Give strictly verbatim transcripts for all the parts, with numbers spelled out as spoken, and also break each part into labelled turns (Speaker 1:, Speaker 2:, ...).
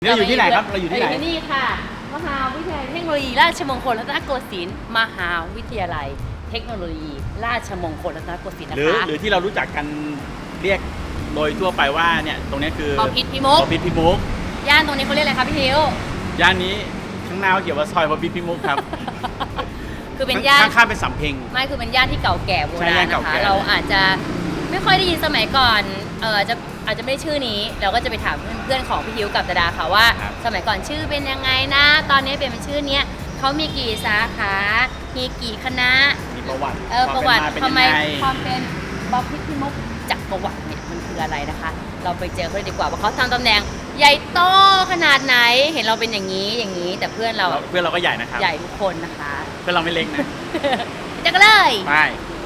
Speaker 1: นี่เราอยู่ที่ไหนครับเราอยู่ที่ไหน
Speaker 2: ที่นี่ค่ะมหาวิทยาลัยเทคโนโลยีราชมงคลรัตนโกสินทร์มหาวิทยาลัยเทคโนโลยีราชมงคลรัตนโกสินทร์นะ
Speaker 1: หรือ
Speaker 2: คะ
Speaker 1: หรือที่เรารู้จักกันเรียกโดยทั่วไปว่าเนี่ยตรงนี้คือ
Speaker 2: พอพิษพิมุก
Speaker 1: พอพิษพิมุก
Speaker 2: ย่านตรงนี้เขาเรียกอะไรคะพี่ทิว
Speaker 1: ย่านนี้ข้างหน้าเขาเขียนว่าซอยพอพิษพิมุกครับ
Speaker 2: คือเป็นย่าน
Speaker 1: ข้างๆเป็นสำเพ็ง
Speaker 2: ไม่คือเป็นย่านที่เก่าแก่โบ
Speaker 1: ใช่
Speaker 2: รา
Speaker 1: ย่า
Speaker 2: ณ
Speaker 1: นเก่า
Speaker 2: นะคะ
Speaker 1: แก่
Speaker 2: เราอาจจะไม่ค่อยได้ยินสมัยก่อนเออจะอาจจะไม่ได้ชื่อนี้เราก็จะไปถามเพื่อนของพี่ทิวกับดาดาค่ะว่า สมัยก่อนชื่อเป็นยังไงนะตอนนี้เป็นชื่อเนี้ยเขามีกี่สาขามีกี่คณะ
Speaker 1: มีประวัติ
Speaker 2: เออประวัติ
Speaker 1: เป็น
Speaker 2: ทำไม
Speaker 1: ยังไง
Speaker 2: ความเป็นบ๊อบพิษพิมุกจากประวัติเนี่ยมันคืออะไรนะคะ เราไปเจอเขาเลยดีกว่าว่าเขาทำตำแหน่งใหญ่โตขนาดไหนเห็นเราเป็นอย่างนี้อย่างนี้ แต่เพื่อนเรา
Speaker 1: เพื่อนเราก็ใหญ่นะครับ
Speaker 2: ใหญ่ทุกคนนะคะ
Speaker 1: เพื่อนเราไม่เล็กนะ
Speaker 2: ไปเจอกันเลย
Speaker 1: ไป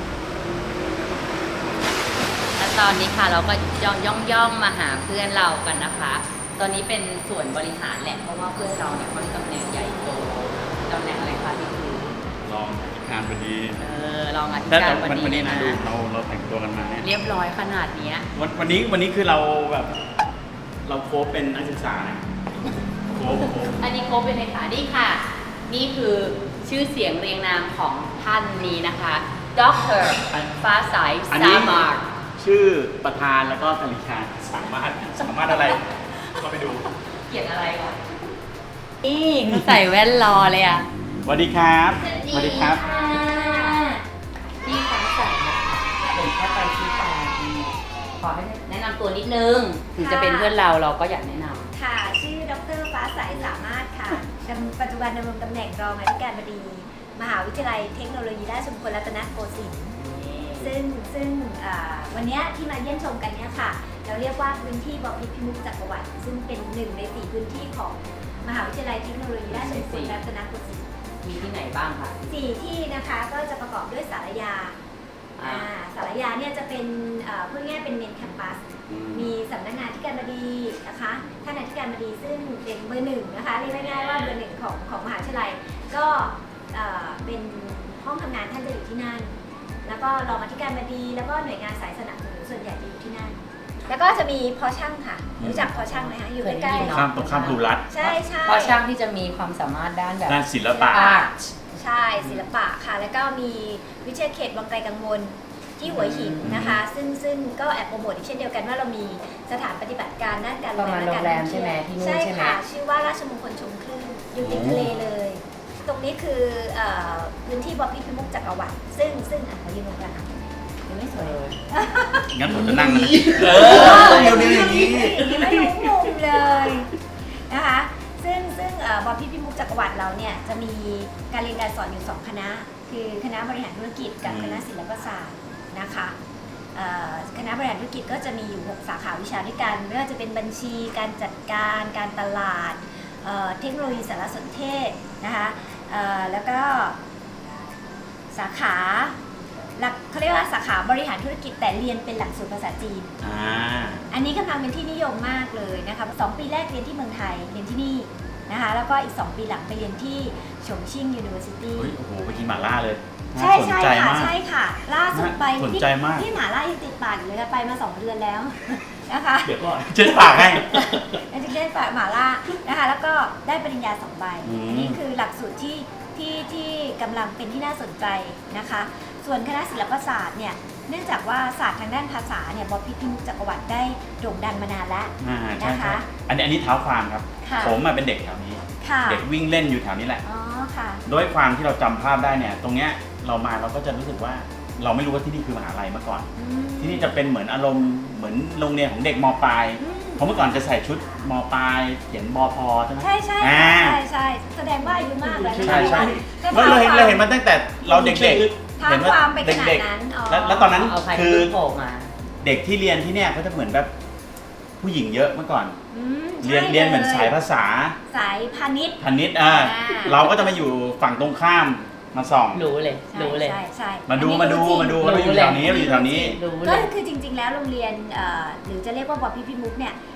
Speaker 2: และตอนนี้ค่ะเราก็ย่องย่องย่องมาหาเพื่อนเรากันนะคะ ตอนนี้เป็นส่วนบริหารแหละเพราะว่าเพื่อนเราเนี่ยเขามีตำแหน่งใหญ่โตตำแหน่งอะไรคะพี่คือ
Speaker 1: ลองงานพอดี
Speaker 2: เออรองอธิ
Speaker 1: แต่
Speaker 2: การบ
Speaker 1: วัน
Speaker 2: ดี
Speaker 1: วันนี้นะ
Speaker 2: นะ
Speaker 1: ดูเราเราแต่งตัวกันมาเนี่ย
Speaker 2: เรียบร้อยขนาดเนี้ย
Speaker 1: วันวันนี้วันนี้คือเราแบบเราโค้ชเป็นนักศึกษานะโค้ชโค้ช
Speaker 2: อันนี้โค้ชเป็นเลขานี่ค่ะ นี่คือชื่อเสียงเรียงนามของท่านนี้นะคะดรฟ้าใส
Speaker 1: อัน
Speaker 2: สา
Speaker 1: นี้
Speaker 2: มารถ
Speaker 1: ชื่อประธานแล้วก็กริชาสามารถสามารถอะไรก็ไปดู
Speaker 2: เขียนอะไรวะนี่เขาใส่แว่นรอเลยอ่ะ
Speaker 1: สวัสดีครับสวัสดีครับ
Speaker 2: พี่ฟ้าใสนะคะเป็นแค่ไปชี้แจงขอให้แนะนำตัวนิดนึง ถึงจะเป็นเพื่อนเราเราก็อยากแนะนำ
Speaker 3: ค่ะ ชื่อดรฟ้าใสสามารถค่ะดำปัจจุบันดำรงตำแหน่งรองอธิการบดี มหาวิทยาลัยเทคโนโลยีราชมงคลรัตนโกสินทร์ซึ่งซึ่งอ่าวันเนี้ยที่มาเยี่ยมชมกันเนี้ยค่ะ เราเรียกว่าพื้นที่บพิตรพิมุขจักรวรรดิซึ่งเป็นหนึ่งในสี่พื้นที่ของมหาวิทยาลัยเทคโนโลยีราชมงคลรัตนโกสินทร์
Speaker 2: มีที่ไหนบ้างคะ
Speaker 3: สี่ที่นะคะก็จะประกอบด้วยสารยา
Speaker 2: อ่า
Speaker 3: อ่าสารยาเนี่ยจะเป็นเอ่อพูดง่ายๆเป็นเมนแคมปัส มีสำนักงานที่การบดีนะคะท่านอธิการบดีซึ่งเป็นเบอร์หนึ่งนะคะเรียกง่ายๆว่าเบอร์หนึ่งของของมหาวิทยาลัยก็เอ่อเป็นห้องทำงานท่านจะอยู่ที่นั่น แล้วก็รองอธิการบดีแล้วก็หน่วยงานสายสนับสนุนส่วนใหญ่จะอยู่ที่นั่น แล้วก็จะมีพอช่างค่ะรู้จักพอช่างไหมคะอยู่ใกล้
Speaker 2: เคยได้ยิน
Speaker 1: ข้ามตรงข้ามภูรัตน์
Speaker 3: ๆใช่ใช่
Speaker 2: เพราะช่างที่จะมีความสามารถด้านแบบ
Speaker 1: ด้านศิลปะ
Speaker 2: อาร์ต
Speaker 3: ใช่ศิลปะค่ะ แล้วก็มีวิทยาเขตวังไกลกังวลที่หัวหินนะคะ ซึ่งซึ่งก็แอบโปรโมทอีกเช่นเดียวกันว่าเรามีสถานปฏิบัติการด้านการ
Speaker 2: ประมาณ
Speaker 3: และ
Speaker 2: โรงแรมใช่ไหมที่นู่น
Speaker 3: ใช่
Speaker 2: ใช่ไหม
Speaker 3: ค่ะ ชื่อว่าราชมงคลชมคลื่นอยู่ติดทะเลเลย ตรงนี้คือเอ่อพื้นที่บพิตรพิมุขจักรวรรดิซึ่งซึ่งอ่ะขอยืนตรงกลางยังไม่สวย
Speaker 1: งั้นผมจะนั่งนะ
Speaker 3: เอ
Speaker 1: อเดี๋ยวนี้อย่างนี้
Speaker 3: ไม่รู้มุมเลยนะคะซึ่งซึ่งเอ่อบพิตรพิมุขจักรวรรดิเราเนี่ยจะมีการเรียนการสอนอยู่สองคณะ คือคณะบริหารธุรกิจกับคณะศิลปศาสตร์นะคะเอ่อคณะบริหารธุรกิจก็จะมีอยู่หกสาขาวิชาด้วยกันไม่ว่าจะเป็นบัญชีการจัดการการตลาดเอ่อเทคโนโลยีสารสนเทศนะคะเอ่อแล้วก็สาขาหลักเขาเรียกว่าสาขาบริหารธุรกิจแต่เรียนเป็นหลักสูตรภาษาจีน
Speaker 1: อ่า
Speaker 3: อันนี้กำลังเป็นที่นิยมมากเลยนะคะสองปีแรกเรียนที่เมืองไทยเรียนที่นี่นะคะแล้วก็อีกสองปีหลังไปเรียนที่ฉงชิ่ง University
Speaker 1: เฮ้ยโอ้โหไปกินหม่าล่าเลย
Speaker 3: ใช่
Speaker 1: น่าสน
Speaker 3: ใช่
Speaker 1: ใจ
Speaker 3: ค่ะ
Speaker 1: มาก
Speaker 3: ใช่ค่ะ ล่าสุดไป
Speaker 1: สน
Speaker 3: ที่
Speaker 1: ใจมาก
Speaker 3: ที่หมาล่ายังติดปากอยู่เลยค่ะไปมาสองเดือนแล้ว นะคะ
Speaker 1: เดี๋ยวก่อนเช็ดปากให้
Speaker 3: เป็นที่ได้ปากหมาล่านะคะแล้วก็ได้ปริญญาสองใบ
Speaker 1: อืม
Speaker 3: อันนี้คือหลักสูตรที่ที่ที่กำลังเป็นที่น่าสนใจนะคะ ส่วนคณะศิลปศาสตร์เนี่ยเนื่องจากว่าศาสตร์ทางด้านภาษาเนี่ยบพิตรพิมุขจักรวรรดิได้โด่งดังมานานแล้ว
Speaker 1: อ่าใช่
Speaker 3: นะคะ
Speaker 1: ใช่อันนี้อันนี้เท้าความครับ
Speaker 3: ค่ะ
Speaker 1: ผมมาเป็นเด็กแถวนี้
Speaker 3: ค่ะ
Speaker 1: เด็กวิ่งเล่นอยู่แถวนี้แหละ
Speaker 3: อ๋อค่ะ
Speaker 1: ด้วยความที่เราจำภาพได้เนี่ย ตรงเนี้ยเรามาเราก็จะรู้สึกว่า เราไม่รู้ว่าที่นี่คือมหาลัยเมื่อก่อน
Speaker 3: อืม
Speaker 1: ที่นี่จะเป็นเหมือนอารมณ์เหมือนโรงเรียนของเด็กมปลาย
Speaker 3: อืม
Speaker 1: เพราะเมื่อก่อนจะใส่ชุดมปลายเขียนบพใช่ไหม
Speaker 3: ใช่ใช่
Speaker 1: อ่า
Speaker 3: ใช่ใช่แสดงว่าอายุมากเลย
Speaker 1: ใช่ใช่
Speaker 3: ก็
Speaker 1: เราเราเห็นเราเห็นมาตั้งแต่เราเด็กๆ
Speaker 3: ท้า
Speaker 1: เห็น
Speaker 3: ความไปขนาด
Speaker 1: เด็ก
Speaker 3: นั้นอ๋อ
Speaker 1: ๆแล้วแล้วตอนนั้น
Speaker 2: เอาใคร
Speaker 1: คือ
Speaker 2: โผล่มา
Speaker 1: เด็กที่เรียนที่เนี่ยเขาจะเหมือนแบบผู้หญิงเยอะเมื่อก่อน
Speaker 3: อืม
Speaker 1: เรียน
Speaker 3: ใช่
Speaker 1: เรียนเหมือนสายภาษา
Speaker 3: สายพาณิชย์
Speaker 1: พาณิชย์อ่า
Speaker 3: อ่า
Speaker 1: เราก็จะมาอยู่ฝั่งตรงข้ามมาส่อง
Speaker 2: รู้เลย
Speaker 3: ใช่
Speaker 2: รู้เลย
Speaker 3: ใช่ใช่
Speaker 1: มาดู
Speaker 3: อันนี้
Speaker 1: มาดู
Speaker 3: รู้จริง
Speaker 1: มาดูเราอยู่แถวนี้เราอยู่แถวนี้
Speaker 2: รู้เล
Speaker 3: ก็
Speaker 2: ย
Speaker 3: คือจริง ๆ แล้วโรงเรียนเอ่อหรือจะเรียกว่าบพิตรพิมุขเนี่ย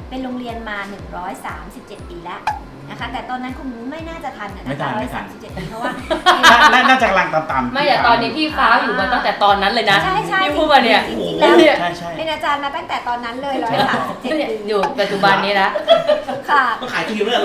Speaker 3: เป็นโรงเรียนมา หนึ่งร้อยสามสิบเจ็ด ปีแล้วนะคะแต่ตอนนั้นคงไม่น่าจะทันนะ
Speaker 1: ไม่ทันไม่ทัน
Speaker 3: หนึ่งร้อยสามสิบเจ็ดปีเพราะว่า
Speaker 1: น่าน่าจะกำลังตามๆ
Speaker 2: ไม่แต่ตอนนี้พี่ฟ้าอยู่มาตั้งแต่ตอนนั้นเลยนะ
Speaker 3: ใช่ใช่
Speaker 2: พี่พูดมาเนี่ย
Speaker 3: จริงๆแล้ว
Speaker 1: ใช่ใช่
Speaker 3: เป็นอาจารย์มาตั้งแต่ตอนนั้นเลยร้อยสามสิบเจ็ดปี
Speaker 2: อยู่ปัจจุบันนี้นะ
Speaker 3: ค่ะ
Speaker 1: ก็ขายที่อยู่เรื่อง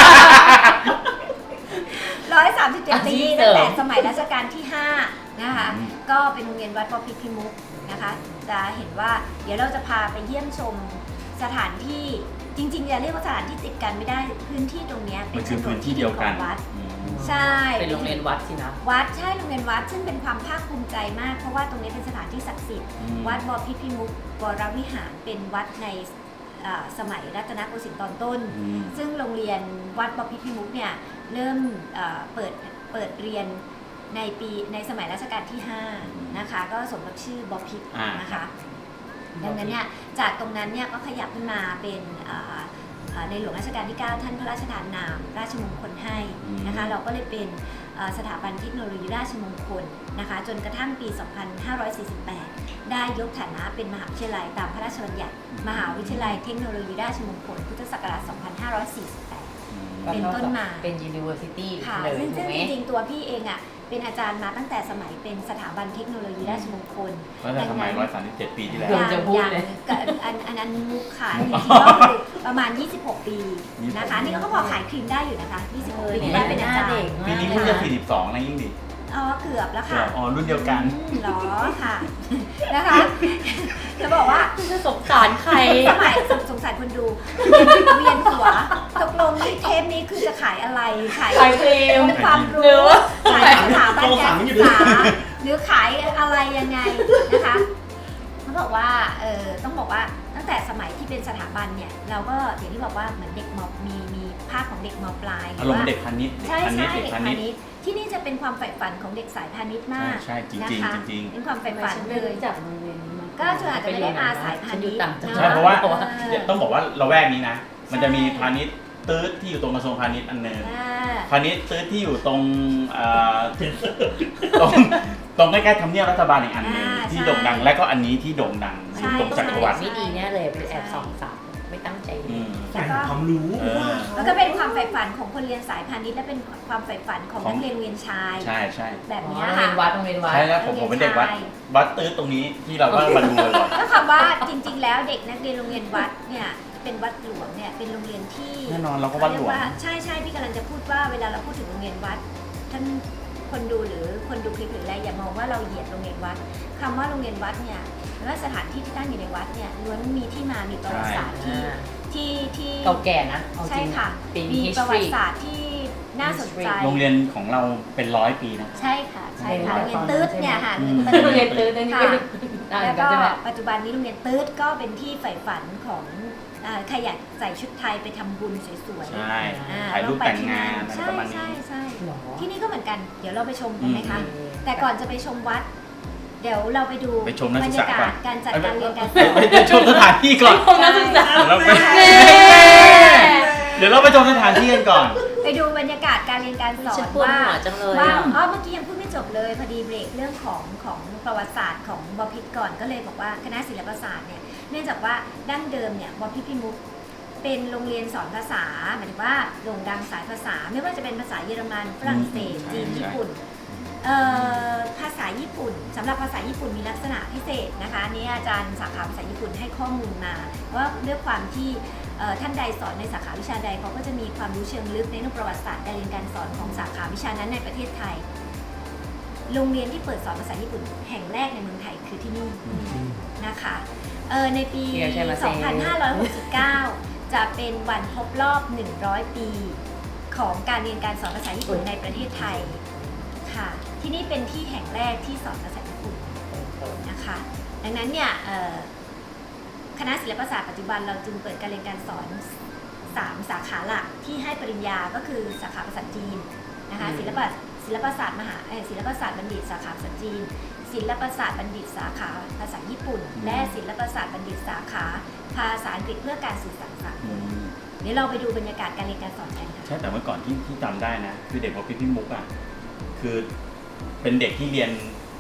Speaker 3: ร้อยสามสิบเจ็ด
Speaker 2: อาชี
Speaker 3: ปี
Speaker 2: พเสริ
Speaker 3: ตั้ง
Speaker 2: ม
Speaker 3: แต่สมัยรัชกาลที่ห้านะคะ
Speaker 1: อืม
Speaker 3: ก็เป็นโรงเรียนวัดปพิพิมุขนะคะ จะเห็นว่าเดี๋ยวเราจะพาไปเยี่ยมชมสถานที่จริงๆจะเรียกว่าสถานที่ติดกันไม่ได้พื้นที่ตรงเนี้ย
Speaker 1: มันคือพื้นที่เดียวกัน
Speaker 3: ของวัด
Speaker 1: อืม
Speaker 3: ใช่
Speaker 2: เป็นโรงเรียนวัดสินะ
Speaker 3: วัดใช่โรงเรียนวัดซึ่งเป็นความภาคภูมิใจมาก เพราะว่าตรงนี้เป็นสถานที่ศักดิ์สิทธิ์
Speaker 1: อืม
Speaker 3: วัดบพิพิมุขวรวิหารเป็นวัดในเอ่อสมัยรัตนโกสินทร์ตอนต้น
Speaker 1: อืม
Speaker 3: ซึ่งโรงเรียนวัดบพิพิมุขเนี่ยเริ่มเอ่อเปิดเปิดเรียนในปีในสมัยรัชกาลที่ห้านะคะก็สมกับชื่อบพิตร
Speaker 1: อ่าน
Speaker 3: นะคะดังนั้นเนี่ยจากตรงนั้นเนี่ยก็ขยับขึ้นมาเป็นเอ่อเอ่อในหลวงรัชกาลที่ เก้า ท่านพระราชทานนามราชมงคลให้นะคะเราก็เลยเป็นเอ่อสถาบันเทคโนโลยีราชมงคลนะคะจนกระทั่งปี สองพันห้าร้อยสี่สิบแปด ได้ยกฐานะเป็นมหาวิทยาลัยตามพระราชบัญญัติมหาวิทยาลัยเทคโนโลยีราชมงคลพุทธศักราช สองพันห้าร้อยสี่สิบแปด เป็นต้นมา
Speaker 2: เป็น university
Speaker 3: ค่ะ
Speaker 2: เลย
Speaker 3: ซึ่ง
Speaker 2: ถู
Speaker 3: ซึ่
Speaker 2: ก
Speaker 3: ง
Speaker 2: ไหม
Speaker 3: จริงๆตัวพี่เองอ่ะเป็นอาจารย์มาตั้งแต่สมัยเป็นสถาบันเทคโนโลยีราชมงคล
Speaker 1: ก็จะสมัยร้อยสามสิบเจ็ดปีที่แล้ว
Speaker 2: เดี๋ยวจะพูดเลย
Speaker 3: กับอันอันนั้นมุกค่ะ
Speaker 1: มุ
Speaker 3: จ
Speaker 1: ก
Speaker 3: ริงๆก็คือประมาณ ยี่สิบหก ปีนะคะ
Speaker 1: ยี่สิบหก
Speaker 3: นี่ก็พอขายครีมได้อยู่นะคะ ยี่สิบหก
Speaker 2: เออ
Speaker 3: ปีที่ได้เป็นอาจาร
Speaker 2: หน้าเด็
Speaker 3: ย์
Speaker 2: ก
Speaker 1: ปีนี้เพิ่งจะสี่สิบสองนะยิ่งดี
Speaker 3: อ๋อเกือบแล้ว
Speaker 1: เกื
Speaker 3: ค่ะ
Speaker 1: อบอ๋อรุ่นเดียวกัน
Speaker 3: อืมเหรอค่ะ นะคะ จะบอกว่า
Speaker 2: จะสงสารใคร
Speaker 3: สมัยสงสงสารคนดูเวียนหัวตกลงที่เทปนี้คือจะขายอะไรขาย
Speaker 2: ขายครีม
Speaker 3: องค์ความ
Speaker 2: หรื
Speaker 3: รู้
Speaker 2: อว่า
Speaker 3: ขายสถาบันการศึกษาหรือขายอะไรยังไงนะคะเขาบอกว่าเออต้องบอกว่าตั้งแต่สมัยที่เป็นสถาบันเนี่ยเราก็อย่างที่บอกว่าเหมือนเด็กมมีมีภาคของเด็กมปลาย
Speaker 1: อารมณ์เด็กพาณิชย์เด็ก
Speaker 3: ใช่
Speaker 1: พาณิช
Speaker 3: ใช่
Speaker 1: ย์เด็ก
Speaker 3: เด็ก
Speaker 1: พา
Speaker 3: พา
Speaker 1: ณิชย์
Speaker 3: ณิชย์ที่นี่จะเป็นความใฝ่ฝันของเด็กสายพาณิชย์มาก
Speaker 1: ใช่ใช่จริงๆ
Speaker 3: นะคะ
Speaker 1: จริงๆ
Speaker 3: เป็นความใฝ่ฝันเลย
Speaker 2: จากโรงเรียนนี้มา
Speaker 3: ก็ส่วนอาจจะไม่ได้มาสายพาณิชย์
Speaker 2: ฉันอยู่ต่างจังห
Speaker 1: ใช่
Speaker 2: วัด
Speaker 1: เพราะว่า
Speaker 3: เออ
Speaker 1: เดี๋ยวต้องบอกว่าเราแวกนี้นะ มันจะมี
Speaker 3: ใช่
Speaker 1: พาณิชย์ตื้ดที่อยู่ตรงกระทรวงพาณิชย์อันหนึง
Speaker 3: อ่า
Speaker 1: พาณิชย์ตื้ดที่อยู่ตรงเอ่อตรงตรงใกล้ๆทำเนียบรัฐบาลอีกอันหนึง
Speaker 3: อ่า
Speaker 1: ที่
Speaker 3: ใช่
Speaker 1: โด่งดัง และก็อันนี้ที่โด่งดัง
Speaker 3: ใช่
Speaker 1: ตรงจักรวรรดิ
Speaker 2: ไม่ดีแน่เลยเป็นแอบส่องสาวไม่ตั้งใจดู
Speaker 1: อืม
Speaker 3: แล้วก็
Speaker 4: ความรู้
Speaker 1: เออ
Speaker 3: แล้วก็เป็นความใฝ่ฝันของคนเรียนสายพาณิชย์และเป็นความใฝ่ฝันของ
Speaker 1: ของ
Speaker 3: นักเรียนโรงเรียนชาย
Speaker 1: ใช่ใช่
Speaker 3: แบบ
Speaker 2: อ๋อ
Speaker 3: เนี้ย
Speaker 2: โรง
Speaker 3: ค่ะ
Speaker 2: เรียนวัดโรงเรียนวัด
Speaker 1: ใช่แล้วผมผมเป็นเด็กวัด
Speaker 3: ใช่
Speaker 1: วัดตื้ดตรงนี้ที่เราก็มาดูบ่อย
Speaker 3: ก็คำว่าจริงๆ แล้วเด็กนักเรียนโรงเรียนวัดเนี่ยเป็นวัดหลวงเนี่ยเป็นโรงเรียนที่
Speaker 1: ๆแน่นอนเราก็วัดหลวง
Speaker 3: เรียกาใช่ใช่พี่กำลังจะพูดว่าเวลาเราพูดถึงโรงเรียนวัดท่านคนดูหรือคนดูคลิปหรืออะไรอย่ามองว่าเราเหยียดโรงเรียนวัดคำว่าโรงเรียนวัดเนี่ยหรือว่าสถานที่ที่ตั้งอยู่ในวัดเนี่ยล้วนมีที่มามีประวัติศาสตร์ที่
Speaker 2: อ่า
Speaker 3: ที่ที่
Speaker 2: เก่าแก่นะเอาจ
Speaker 3: ใช่
Speaker 2: ริง
Speaker 3: ค่ะ
Speaker 2: เป็น
Speaker 3: มีประวั
Speaker 2: history
Speaker 3: ติศาสตร์ที่น่าสนใจ
Speaker 2: history
Speaker 1: โรงเรียนของเราเป็นร้อยปีนะ
Speaker 3: ใช่ค่ะใช่ค่ะ
Speaker 2: โร
Speaker 3: โรง ง
Speaker 2: เรี
Speaker 3: เรี
Speaker 2: ย
Speaker 3: ย
Speaker 2: น
Speaker 3: นตืดเนี่ยค่ะ
Speaker 1: อืม
Speaker 3: โรง
Speaker 2: โรง
Speaker 3: เรี
Speaker 2: เรี
Speaker 3: ย
Speaker 2: ย
Speaker 3: น
Speaker 2: น
Speaker 3: ตืด
Speaker 2: ตื้นนี่
Speaker 3: ค่ะ
Speaker 2: ก็อ่าน
Speaker 3: แล้ว
Speaker 2: กัน
Speaker 3: ก็
Speaker 2: ใช่ไหม
Speaker 3: ปัจจุบันนี้โรงเรียนตืดก็เป็นที่ใฝ่ฝันของอ่าใครอยากใส่ชุดไทยไปทำบุญสวย
Speaker 1: ใช่
Speaker 3: ๆอ่
Speaker 1: ถ่ายรูป
Speaker 3: องไป
Speaker 1: แต่ง
Speaker 3: ที่
Speaker 1: งาน
Speaker 3: นั่
Speaker 1: อะไร
Speaker 3: ใช่
Speaker 1: ประมาณ
Speaker 3: ใช่
Speaker 1: นี้
Speaker 3: ใช่
Speaker 2: หรอ
Speaker 3: ที่นี่ก็เหมือนกัน เดี๋ยวเราไปชมกันไหมคะ
Speaker 2: อืม
Speaker 3: แต่ก่อนจะไปชมวัด เดี๋ยวเราไปดู
Speaker 1: ไปชมนัก
Speaker 3: บร
Speaker 1: ศึ
Speaker 3: ร
Speaker 1: กษาย
Speaker 3: ากา
Speaker 1: ก่อน
Speaker 3: ศการจัดการเรียนการส
Speaker 1: ไป
Speaker 3: อน
Speaker 1: ไปไปชมสถานที่ก่อน
Speaker 2: ผมนักศึกษา
Speaker 1: เดี๋ยวเราไป
Speaker 2: เย้
Speaker 1: เดี๋ยวเราไปชมสถานที่กันก่อน
Speaker 3: ไปดูบรรยากาศการเรียนการสอ
Speaker 2: ฉั
Speaker 3: น
Speaker 2: นปวด
Speaker 3: ว่า
Speaker 2: หัวจังเลย
Speaker 3: ว่า
Speaker 2: อะ
Speaker 3: อ๋อเมื่อกี้ยังพูดไม่จบเลยพอดีเบรกเรื่องของของประวัติศาสตร์ของบพิตรก่อนก็เลยบอกว่าคณะศิลปศาสตร์เนี่ยเนื่องจากว่าดั้งเดิมเนี่ยบพิตรพิมุขเป็นโรงเรียนสอนภาษาหมายถึงว่าโด่งดังสายภาษา ไม่ว่าจะเป็นภาษาเยอรมันฝรั่งเศส
Speaker 1: อืม
Speaker 3: จีน
Speaker 1: ใช่
Speaker 3: ญี่ปุ่นเอ่อภาษาญี่ปุ่นสำหรับภาษาญี่ปุ่นมีลักษณะพิเศษนะคะอันนี้อาจารย์สาขาภาษาญี่ปุ่นให้ข้อมูลมาว่าด้วยความที่เอ่อท่านใดสอนในสาขาวิชาใดเขาก็จะมีความรู้เชิงลึกในเรื่องประวัติศาสตร์การเรียนการสอนของสาขาวิชานั้นในประเทศไทย โรงเรียนที่เปิดสอนภาษาญี่ปุ่นแห่งแรกในเมืองไทยคือที่นี่นะคะเอ่อในปี
Speaker 2: เชียร์ใช่ไหมเซ
Speaker 3: สองพันห้าร้อยหกสิบเก้า จะเป็นวันครบรอบ หนึ่งร้อย ปีของการเรียนการสอนภาษาญี่ปุ่นในประเทศไทยค่ะ ที่นี่เป็นที่แห่งแรกที่สอนภาษาญี่ปุ่นนะคะ ดังนั้นเนี่ยเอ่อคณะศิลปศาสตร์ปัจจุบันเราจึงเปิดการเรียนการสอนสามสาขาหลักที่ให้ปริญญาก็คือสาขาภาษาจีนนะคะ
Speaker 2: อืม
Speaker 3: ศิลปะศิลปศาสตร์มหาเอ่อศิลปศาสตร์บัณฑิตสาขาภาษาจีน ศิลปศาสตร์บัณฑิตสาขาภาษาญี่ปุ่น และศิลปศาสตร์บัณฑิตสาขาภาษาอังกฤษเพื่อการสื่อสารสาก
Speaker 1: อื
Speaker 3: ล
Speaker 1: ม
Speaker 3: เดี๋ยวเราไปดูบรรยากาศการเรียนการสอนกันค่ะ
Speaker 1: ใช่แต่เมื่อก่อนที่ที่จำได้นะ คือเด็กวัดพิพิธมุกอ่ะคือเป็นเด็กที่เรียน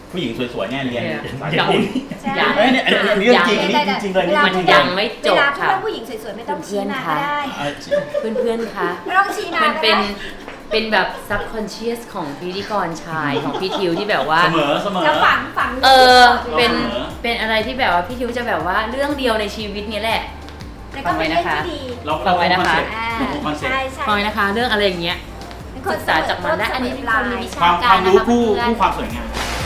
Speaker 1: ผู้หญิงสวยๆเนี่ยเรียนภาษา
Speaker 2: อย่า
Speaker 1: ญี่ปุ่น
Speaker 3: ใช่
Speaker 1: เฮ้ยเนี่ยอันนี้อันนี้เรื่องจริงอันนี้จริงๆเลยนี่
Speaker 3: วลา
Speaker 1: จริง
Speaker 3: พูด
Speaker 1: ๆ
Speaker 2: ยังไม่จบ
Speaker 3: เวลาพูด
Speaker 2: ค่ะ
Speaker 3: ว่าผู้หญิงสวยๆไม่ต้องชี้หน้าก็ได้
Speaker 1: อ่ะ
Speaker 2: เพื่อนๆ คะ
Speaker 3: ไม่ต้องชี้หน้า
Speaker 2: มัน
Speaker 3: ก็
Speaker 2: เป็น
Speaker 3: ได้
Speaker 2: เป็นแบบ subconscious ของพิธีกรชายของพี่ทิวที่แบบว่า
Speaker 1: เสมอเสมอ
Speaker 3: จะฝังฝัง
Speaker 2: เออ เป็น
Speaker 1: เสมอ
Speaker 2: เป็นอะไรที่แบบว่าพี่ทิวจะแบบว่าเรื่องเดียวในชีวิตนี้แหละ
Speaker 3: แต่ก็เป็นเรื่องที่ดี
Speaker 1: เรา
Speaker 2: ฟังไว้นะคะ
Speaker 3: อ่า
Speaker 1: เราคงคอนเซ็ปต์
Speaker 3: ใช่ใช่
Speaker 2: ฟังไว้นะคะ เรื่องอะไรอย่างเงี้ย
Speaker 3: เป็นค
Speaker 2: ศึกษาจากมันนะอันนี้เป็นคนมีวิชา
Speaker 1: ความความรู้ผู้
Speaker 2: เพื่อน
Speaker 1: ผู้ความสวยงาม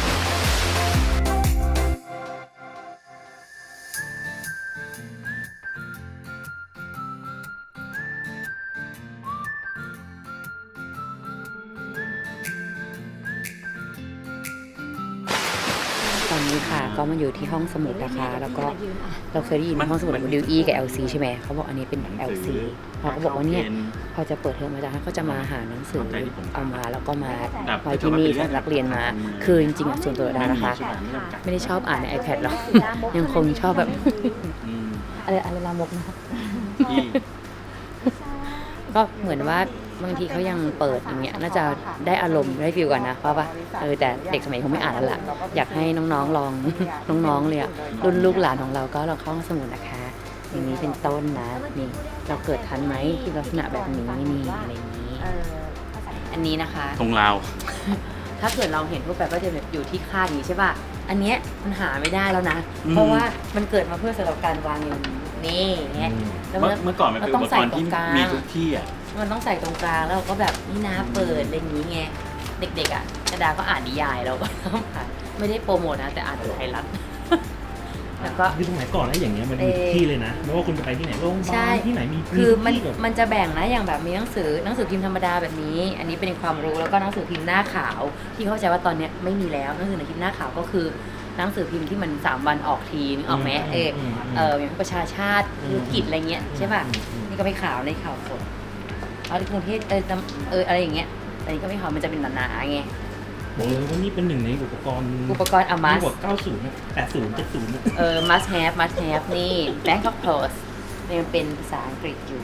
Speaker 2: ตอนนี้ค่ะก็มาอยู่ที่ห้องสมุดนะคะ แล้วก็เราเคยได้ยินห้องสมุดดิวอี้กับ แอล ซี ใช่ไหมเขาบอกอันนี้เป็น แอล ซี เขาก็บอกว่าเนี่ยพอจะเปิดเทอมอาจารย์ก็จะมาหาหนังสือเอามาแล้วก็มาไว้ที่นี่สำหรับนักเรียนมา คือจริงๆอ่ะส่วนตัวดานะคะ ไม่ได้ชอบอ่านใน iPad หรอก ยังคงชอบแบบ
Speaker 1: อืม
Speaker 2: อะไรอะไรลามกนะ
Speaker 1: ที่
Speaker 2: ก็เหมือนว่าบางทีเขายังเปิดอย่างเงี้ยน่าจะได้อารมณ์ได้ฟิลก่อนนะเพราะว่าเออแต่เด็กสมัยนี้คงไม่อ่านแล้วล่ะอยากให้น้องๆลอง น้องๆเลยอะรุ่นลูกหลานของเราก็ลองเข้าห้องสมุดนะคะ อย่างนี้เป็นต้นนะนี่เราเกิดทันไหมที่ลักษณะแบบนี้นี่อะไรอย่างนี้
Speaker 3: เออ
Speaker 2: อันนี้นะคะ
Speaker 1: ทงลาว
Speaker 2: ถ้าเกิดเราเห็นพวกแบบก็จะแบบอยู่ที่คาดอย่างนี้ใช่ป่ะอันเนี้ยมันหาไม่ได้แล้วนะ
Speaker 1: อืม
Speaker 2: เพราะว่ามันเกิดมาเพื่อสำหรับการวางอย่างนี้อย่างเงี้ยแล้ว
Speaker 1: เมื่อเมื่อก่อนมันเป็นอุปกรณ์ที่มีทุกที่อ่ะ
Speaker 2: มันต้องใส่ตรงกลางแล้วเราก็แบบนี่นะเปิดอะไรอย่างนี้ไงเด็กๆอ่ะกระดาก็อ่านนิยายเราก็ต้องอ่านไม่ได้โปรโมทนะแต่อ่านไทยรัฐ แล้วก็
Speaker 4: คือสมัยก่อนแล้วอย่างเงี้ยมันมีทุกที่เลยนะไม่ว่าคุณจะไปที่ไหนโรงพยา
Speaker 2: ใช่
Speaker 4: บาลที่ไหนมี
Speaker 2: คือมัน
Speaker 4: ที่แบบ
Speaker 2: มันจะแบ่งนะอย่างแบบมีหนังสือหนังสือพิมพ์ธรรมดาแบบนี้ อันนี้เป็นความรู้แล้วก็หนังสือพิมพ์หน้าขาวที่เข้าใจว่าตอนเนี้ยไม่มีแล้วหนังสือพิมพ์หน้าขาวก็คือหนังสือพิมพ์ที่มันสามวันออกทีนึกออกไหมเออเอออย่างประชาชาติธุรกิจอะไรเงี้ยใช่ป่ะนี่ก็ไม่ขาวในข่าวสดเอาที่กรุงเทพเออเอออะไรอย่างเงี้ยแต่นี่ก็ไม่ขาวมันจะเป็นหนาๆไง
Speaker 4: บอกเลยว่านี่เป็นหนึ่งในอุปกรณ์
Speaker 2: อุปกรณ์ Amas
Speaker 4: กว่าเก้าสิบนะแปดสิบ เจ็ดสิบนะ
Speaker 2: เออ must have must have นี่ Bangkok Post เนี่ยมันเป็นภาษาอังกฤษอยู่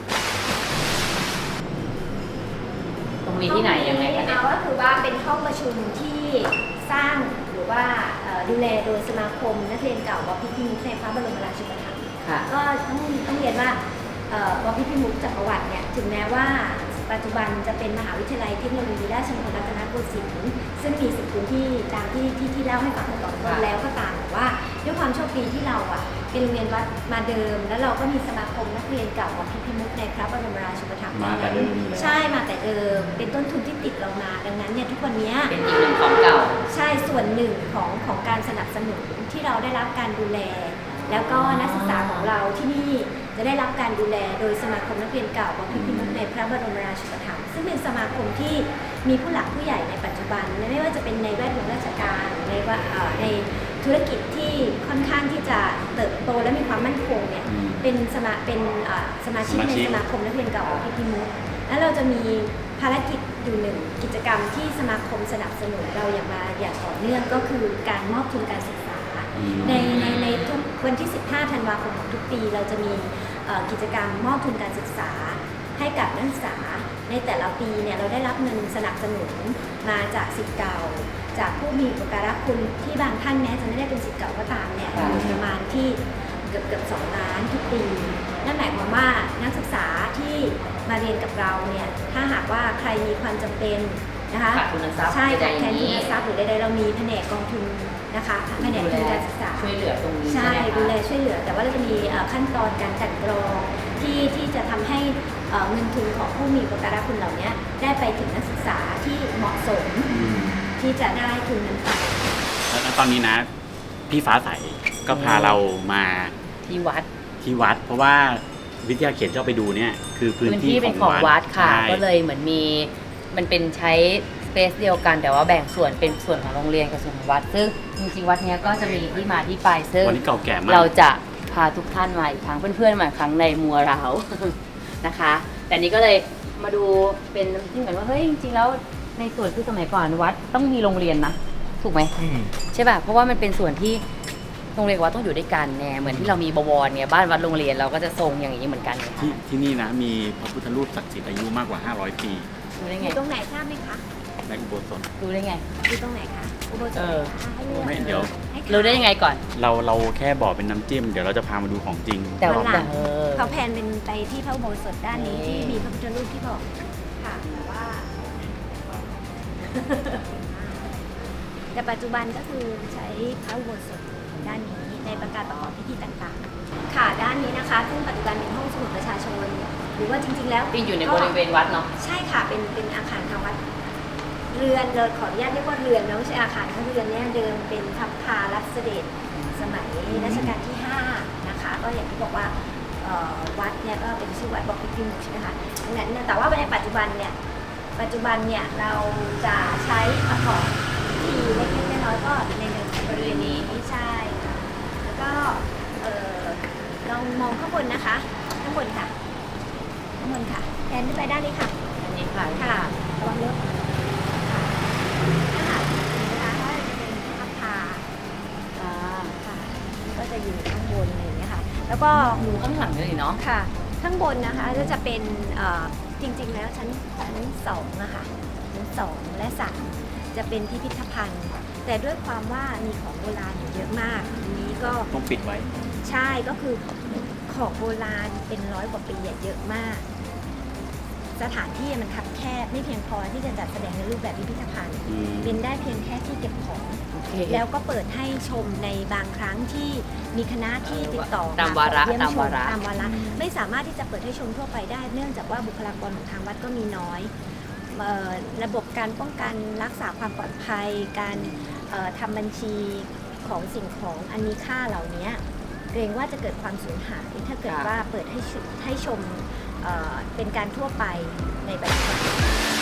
Speaker 2: ตรงนี้ที่ไหนยังไงคะเนี่ย
Speaker 3: เอาก็คือว่าเป็นห้องประชุมที่สร้างหรือว่าเอ่อดูแลโดยสมาคมนักเรียนเก่าวพิพิมุขในพระบรมราชูปถัมภ์
Speaker 2: ค่ะ
Speaker 3: ก็ต้องต้องเรียนว่าเอ่อวพิพิมุขจักรวรรดิเนี่ยถึงแม้ว่าปัจจุบันจะเป็นมหาวิทยาลัยเทคโนโลยีราชมงคลรัตนโกสินทร์ซึ่งมีสิบพื้นที่ตามที่ที่ที่เล่าให้ฟังตอนต้นแล้วก็ตามแต่ว่าด้วยความโชคดีที่เราอ่ะเป็นโรงเรียนวัดมาเดิม แล้วเราก็มีสมาคมนักเรียนเก่าวพิพิมุขในพระบรมราชูปถัมภ์
Speaker 1: มาแต่เดิมเลย
Speaker 3: ใช่มาแต่เดิมเป็นต้นทุนที่ติดเรามาดังนั้นเนี่ยทุกวันเนี้ย
Speaker 2: เป็นอีกหนึ่งของเก่า
Speaker 3: ใช่ส่วนหนึ่งของของการสนับสนุนที่เราได้รับการดูแล แล้วก็นักศึกษาของเราที่นี่จะได้รับการดูแลโดยสมาคมนักเรียนเก่าวัดพิพิธภัณฑ์ในพระบรมราชูปถัมภ์ซึ่งเป็นสมาคมที่มีผู้หลักผู้ใหญ่ในปัจจุบันไม่ว่าจะเป็นในแวดวงราชการในว่าเอ่อในธุรกิจที่ค่อนข้างที่จะเติบโตและมีความมั่นคงเนี่ย
Speaker 1: อืม
Speaker 3: เป็นสมาเป็นเอ่อสมาชิก
Speaker 1: สมา
Speaker 3: ใน
Speaker 1: ชิก
Speaker 3: สมาคมนักเรียนเก่าวัดพิพิธภัณฑ์แล้วเราจะมีภารกิจอยู่หนึ่งกิจกรรมที่สมาคมสนับสนุนเราอย่างมาอย่างต่อเนื่องก็คือการมอบทุนการศึกษา
Speaker 1: อืม
Speaker 3: ในในในทุกวันที่ สิบห้า ธันวาคมของทุกปี เราจะมีเอ่อกิจกรรมมอบทุนการศึกษาให้กับนักศึกษาในแต่ละปีเนี่ยเราได้รับเงินสนับสนุนมาจากศิษย์เก่า จากผู้มีอุปการะคุณที่บางท่านแม้จะไม่ได้เป็นศิษย์เก่าก็ตามเนี่ย
Speaker 2: ค่ะ
Speaker 3: อยู่ประมาณที่เกือบเกือบสองล้านทุกปี นั่นหมายความว่านักศึกษาที่มาเรียนกับเราเนี่ยถ้าหากว่าใครมีความจำเป็นนะคะ
Speaker 2: ขาดทุนทรัพย์
Speaker 3: ใช่
Speaker 2: ใด
Speaker 3: ขาด
Speaker 2: ๆ
Speaker 3: แคลน
Speaker 2: อย่าง
Speaker 3: ทุ
Speaker 2: นี้
Speaker 3: นทรัพย์หรือใดๆเรามีแผนกกองทุนนะคะแผนกทุนการศึกษา
Speaker 2: ช่วยเหลือตรงนี้
Speaker 3: ใช่
Speaker 2: ใช่ไหม
Speaker 3: ดูแล
Speaker 2: คะ
Speaker 3: ช่วยเหลือ แต่ว่าเราจะมีเอ่อขั้นตอนการกลันกรองที่ที่จะทำให้เอ่อเงินทุนของผู้มีอุปการะคุณเหล่านี้ได้ไปถึงนักศึกษาที่เหมาะสม
Speaker 1: อืม
Speaker 3: ที่จะได้ทุนนั้นไป
Speaker 1: แล้วตอนนี้นะ พี่ฟ้าใสก็พาเรามา
Speaker 2: ที่วัด
Speaker 1: ที่วัด เพราะว่าวิทยาเขียนที่เราไปดูเนี่ยคือพื้น
Speaker 2: พื้น
Speaker 1: ที่
Speaker 2: ที่เป็นของวัดค่ะ
Speaker 1: ใช่
Speaker 2: ก็เลยเหมือนมีมันเป็นใช้สเปซเดียวกัน แต่ว่าแบ่งส่วนเป็นส่วนของโรงเรียนกับส่วนของวัด ซึ่งจริงๆวัดเนี้ยก็จะมีที่มาที่ไปซึ่ง
Speaker 1: วันนี้เก่าแก่มาก
Speaker 2: เราจะพาทุกท่านมาอีกครั้งเพื่อนๆมาอีกครั้งในมัวเรา นะคะ แต่นี้ก็เลยมาดูเป็นที่เหมือนว่าเฮ้ยจริงๆแล้วในส่วนคือสมัยก่อนวัดต้องมีโรงเรียนนะถูกไหม
Speaker 4: อืม
Speaker 2: ใช่ป่ะเพราะว่ามันเป็นส่วนที่โรงเรียนกับวัดต้องอยู่ด้วยกันไงเหมือนที่เรามีบวรเนี่ยบ้านวัดโรงเรียนเราก็จะทรงอย่างนี้เหมือนกันไง
Speaker 1: ที่ที่นี่นะมีพระพุทธรูปศักดิ์สิทธิ์อายุมากกว่า ห้าร้อย ปี
Speaker 2: รู้ได้
Speaker 3: อ
Speaker 2: ไง
Speaker 3: ยู่ตรงไหนทราบไหมคะ
Speaker 1: ในอุโบสถ
Speaker 2: รู้ได้ไง
Speaker 3: อยู่ตรงไหนคะอุโบสถ
Speaker 2: เออ
Speaker 3: ให้เลือก
Speaker 1: ไม่เดี๋ยว
Speaker 3: ให้ทาย
Speaker 2: รู้ได้ยังไงก่อน
Speaker 1: เราเราแค่บอกเป็นน้ำจิ้ม เดี๋ยวเราจะพามาดูของจริง
Speaker 2: แต่
Speaker 3: วั
Speaker 2: ว่าน
Speaker 3: หลัง
Speaker 2: เออ
Speaker 3: เขาแพนเป็นไปที่พระอุโบสถด้านนี้
Speaker 2: นี่
Speaker 3: ที่มีพระพุทธรูปที่บอกค่ะแต่ว่า แต่ปัจจุบันก็คือใช้พระอุโบสถด้านนี้ในประการประกอบพิธีต่างๆ ค่ะด้านนี้นะคะซึ่งปัจจุบันเป็นห้องสมุดประชาชน หรือว่าจริงๆแล้ว
Speaker 2: ที่อยู่ในบริเวณวัดเนาะ
Speaker 3: ใช่ค่ะเป็นเป็นอาคารทางวัดเรือนเลยขออนุญาตเรียกว่าเรือนแล้วไม่ใช่อาคารเขาเรือนเนี่ยเดิมเป็นพับพารับเสด็จสมัยรัชกาลที่ห้านะคะ ก็อย่างที่บอกว่าเอ่อวัดเนี่ยก็เป็นชื่อวัดบอกพิพิมุกใช่ไหมคะดังนั้นเนี่ยแต่ว่าในปัจจุบันเนี่ยปัจจุบันเนี่ยเราจะใช้ประกอบพิธีเล็กๆน้อยๆก็ในบริเวณนี้ไม่ใช่ค่ะแล้วก็เอ่อลองมองข้างบนนะคะข้างบนค่ะข้างบนค่ะแทนขึ้นไปด้านนี้ค่ะ
Speaker 2: อันนี้ค่ะ
Speaker 3: ค่ะระวังรถค่ะนะคะนะคะก็จะเป็นพับพา
Speaker 2: อ่า
Speaker 3: ค่ะ ก็จะอยู่ข้างบนอะไรอย่างเงี้ยค่ะ แล้วก็
Speaker 2: ดูข้างหลังเลยเนาะ
Speaker 3: ค่ะ ข้างบนนะคะก็จะเป็นเอ่อจริงๆ แล้วชั้นชั้นสองนะคะชั้นสองและสามจะเป็นพิพิธภัณฑ์ แต่ด้วยความว่ามีของโบราณอยู่เยอะมากอันนี้ก็
Speaker 1: ต้องปิดไว้
Speaker 3: ใช่ก็คือของโบราณเป็นร้อยกว่าปีอะเยอะมาก สถานที่มันคับแคบไม่เพียงพอที่จะจัดแสดงในรูปแบบพิพิธภัณฑ์
Speaker 1: อืม
Speaker 3: เป็นได้เพียงแค่ที่เก็บของ
Speaker 2: โอเค
Speaker 3: แล้วก็เปิดให้ชมในบางครั้งที่มีคณะที่ติดต่อ
Speaker 2: ตามวาระ
Speaker 3: ขอเยี่ย
Speaker 2: ตาม
Speaker 3: ช
Speaker 2: วาระ
Speaker 3: ตามวาระไม่สามารถที่จะเปิดให้ชมทั่วไปได้ เนื่องจากว่าบุคลากรของทางวัดก็มีน้อยเอ่อระบบการป้องกันรักษาความปลอดภัย การเอ่อทำบัญชีของสิ่งของอันมีค่าเหล่านี้เกรงว่าจะเกิดความสูญหายถ้าเกิดว่าเปิดให้ชมให้ชมเอ่อเป็นการทั่วไปในปัจจุบัน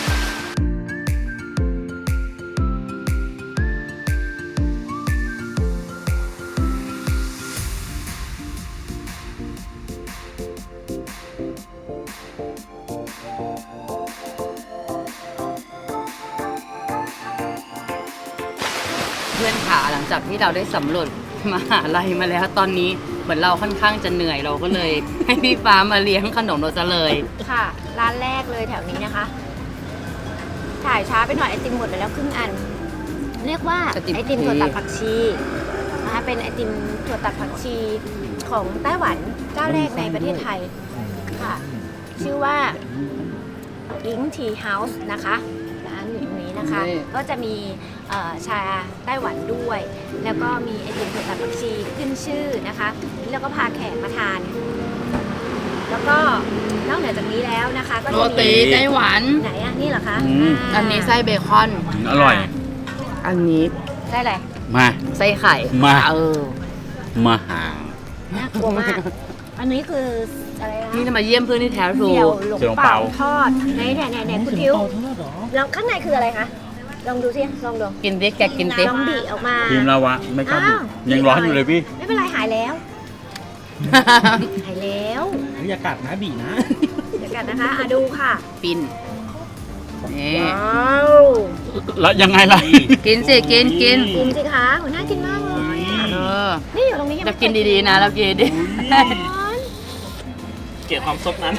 Speaker 2: เพื่อนขาหลังจากที่เราได้สำรวจมหาลัยมาแล้วตอนนี้เหมือนเราค่อนข้างจะเหนื่อยเราก็เลย ให้พี่ฟ้ามาเลี้ยงขนมเราซะเลย
Speaker 3: ค่ะ ร้านแรกเลยแถวนี้นะคะ ถ่ายช้าไปหน่อยไอติมหมดไปแล้วครึ่งอัน เรียกว่า
Speaker 2: ไอติม
Speaker 3: ไอติมถั่วตัดผักชีนะคะเป็นไอติมถั่วตัดผักชีของไต้หวันเจ้าแรกในประเทศไทยค่ะ ชื่อว่าลิงทีเฮาส์นะคะร้านอยู่ตรงนี้นะคะ ก็จะมีเอ่อชาไต้หวันด้วย แล้วก็มีไอติมถั่วตัดผักชีขึ้นชื่อนะคะ แล้วก็พาแขกมาทาน แล้วก็นอกเหนือจากนี้แล้วนะคะ ก็
Speaker 2: โร
Speaker 3: จะ
Speaker 2: ตี
Speaker 3: มี
Speaker 2: ไต้หวัน
Speaker 3: ไหนอ่ะนี่เหรอคะ
Speaker 1: อืม
Speaker 3: า
Speaker 2: อันนี้ไส้เบคอน
Speaker 1: อร่อย
Speaker 2: อันนี้
Speaker 3: ไส้อะไร
Speaker 1: มา
Speaker 2: ไส้ไข่
Speaker 1: มา
Speaker 2: เออ
Speaker 1: มาหา
Speaker 3: น่ากลัวมาก อันนี้คืออะไรนะ
Speaker 2: นี่จะมาเยี่ยมเพื่อนที่แท้ทรู
Speaker 3: เดี่ยวหลง
Speaker 1: เสี่ยวหลง
Speaker 3: เป่า
Speaker 1: เปา
Speaker 3: ทอดไหนไหนไหนไหนคุณทิว
Speaker 4: เป่าทอดเหรอ
Speaker 3: แล้วข้างในคืออะไรคะลองดูสิลองดู
Speaker 2: กินดิแกกินดิ
Speaker 3: ลองบีออกมา
Speaker 1: ทีมเราวะไม่กล้าบุก
Speaker 3: อ้าว
Speaker 1: ยังร้อนอยู่เลยพี่
Speaker 3: ไม่เป็นไรหายแล้ว หายแล้ว
Speaker 4: เฮ้ยอย่ากัดนะบีนะ
Speaker 3: เดี๋ยวกันนะคะอ่ะดูค่ะ
Speaker 2: ปินนี่
Speaker 3: ว้าว
Speaker 1: แล้วยังไงล่ะ
Speaker 2: กินสิกินกิน
Speaker 3: กินสิคะหัวหน้ากินมากเลย
Speaker 2: เออ
Speaker 3: นี่อยู่ตรงนี้ยัง
Speaker 2: เรา
Speaker 3: ไม่
Speaker 2: กินดีๆนะเรากินดี
Speaker 3: ร้อน
Speaker 4: เกลียดความซดนั้น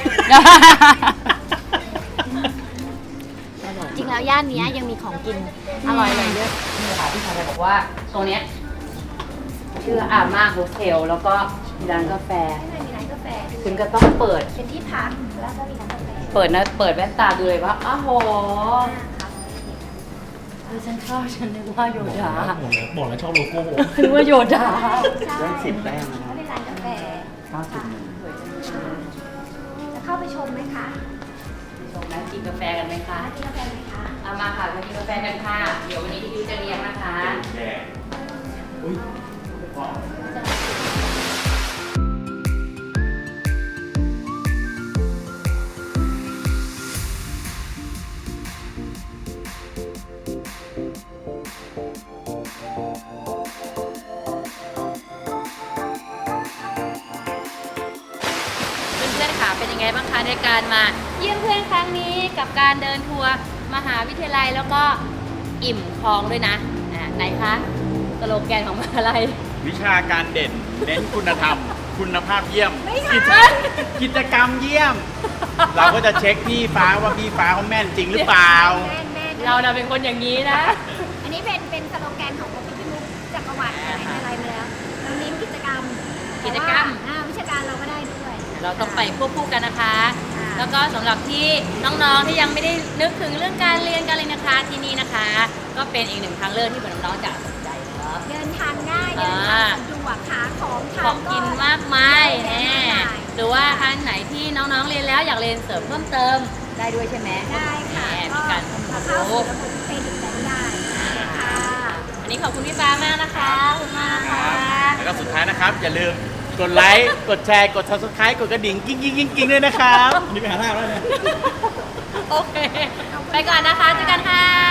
Speaker 3: จริงแล้วย่านเนี้ยยังมีของกินอร่อยเลยเยอะ
Speaker 2: นี่ค่ะพี่ชายบอกว่าตรงเนี้ยชื่ออาม่าโฮสเทลแล้วก็มีร้านกาแฟ
Speaker 3: ข้างในมีร้านกาแฟด้วย
Speaker 2: คุณก็ต้องเปิด
Speaker 3: เป็นที่พักแล้วก็มีร้านกาแฟ
Speaker 2: เปิดนะเปิดแว่นตาดูเลยว่าอ้าวโห
Speaker 3: ครับ
Speaker 2: เออฉันชอบฉันนึกว่าโย
Speaker 4: บอก
Speaker 2: ดา
Speaker 4: แล้วบอกแล้วบอกแล้วชอบโลโก้
Speaker 2: นึกว่าโยดา
Speaker 3: ใช่
Speaker 1: ได้สิบแต้มนะครับ
Speaker 3: ก็เป็นร้านกาแฟ
Speaker 1: เก้าสิบหนึ่ง
Speaker 3: จะเข้าไปชมไหมคะ
Speaker 2: ชมนะกินกาแฟกันไหมคะ
Speaker 3: ร้านกินกาแฟไหมคะ
Speaker 2: เอามาค่ะมากินกาแฟกันค่ะเดี๋ยววันนี้พี่จะเลี้ยงนะคะ
Speaker 1: แย่
Speaker 4: อุ้ย
Speaker 2: เพื่อนๆค่ะเป็นยังไงบ้างคะในการมาเยี่ยมเพื่อนครั้งนี้กับการเดินทัวร์มหาวิทยาลัยแล้วก็อิ่มท้องด้วยนะอ่าไหนคะสโลแกนของมหาลัย
Speaker 1: วิชาการเด่น เน้นคุณธรรม คุณภาพเยี่ยม
Speaker 3: ไม่ใช่
Speaker 1: กิจกิจกรรมเยี่ยม เราก็จะเช็คพี่ฟ้าว่าพี่ฟ้าเขาแม่นจริงหรือเปล่า
Speaker 3: แม่นแม่น
Speaker 2: เราน่ะเป็นคนอย่างนี้นะ
Speaker 3: ไอนนี้เป็นเป็นสโลแกนของพี่พี่มุกจักรวรรดิอะไรอะไรมาแล้วเราเน้นกิจกรรม
Speaker 2: กิจกรรม
Speaker 3: แต่ว่าอ่าวิชาการเราก็ได้ด้วย
Speaker 2: เราต้องไปควบคู่กันนะคะ
Speaker 3: ค่ะ
Speaker 2: แล้วก็สำหรับที่น้องๆที่ยังไม่ได้นึกถึงเรื่องการเรียนการเรียนนะคะที่นี่นะคะ ก็เป็นอีกหนึ่งทางเลือกที่น้องๆจะสนใจเนาะ
Speaker 3: เดินทางง่ายเดินทางสะดวกหาของทา
Speaker 2: ขอน งกินมากมาย
Speaker 3: เยอะ
Speaker 2: แน่
Speaker 3: แยะมากมาย
Speaker 2: หรือว่าอันไหนที่น้องๆเรียนแล้วอยากเรียนเสริมเพิ่มเติมได้ด้วยใช่ไหม
Speaker 3: ได้ค่ะ
Speaker 2: แหมมีการ
Speaker 3: ก็
Speaker 2: เพิ่ม
Speaker 3: เข้า
Speaker 2: รู้
Speaker 3: สู่ระบบเครดิตกันได้ค่ะ
Speaker 2: วันนี้ขอบคุณพี่ฟ้ามากนะคะขอบคุณมากนะคะ
Speaker 1: แล้วก็สุดท้ายนะครับ อย่าลืมกดไลค์ กดแชร์ กด subscribe กดกระดิ่งกิ้งกิ้งกิ้งกิ้งด้วยนะครับ
Speaker 4: อันนี้ไปหาหน้าแล้วเนี่ย
Speaker 2: โอเค ไปก่อนนะคะเจอกันค่ะ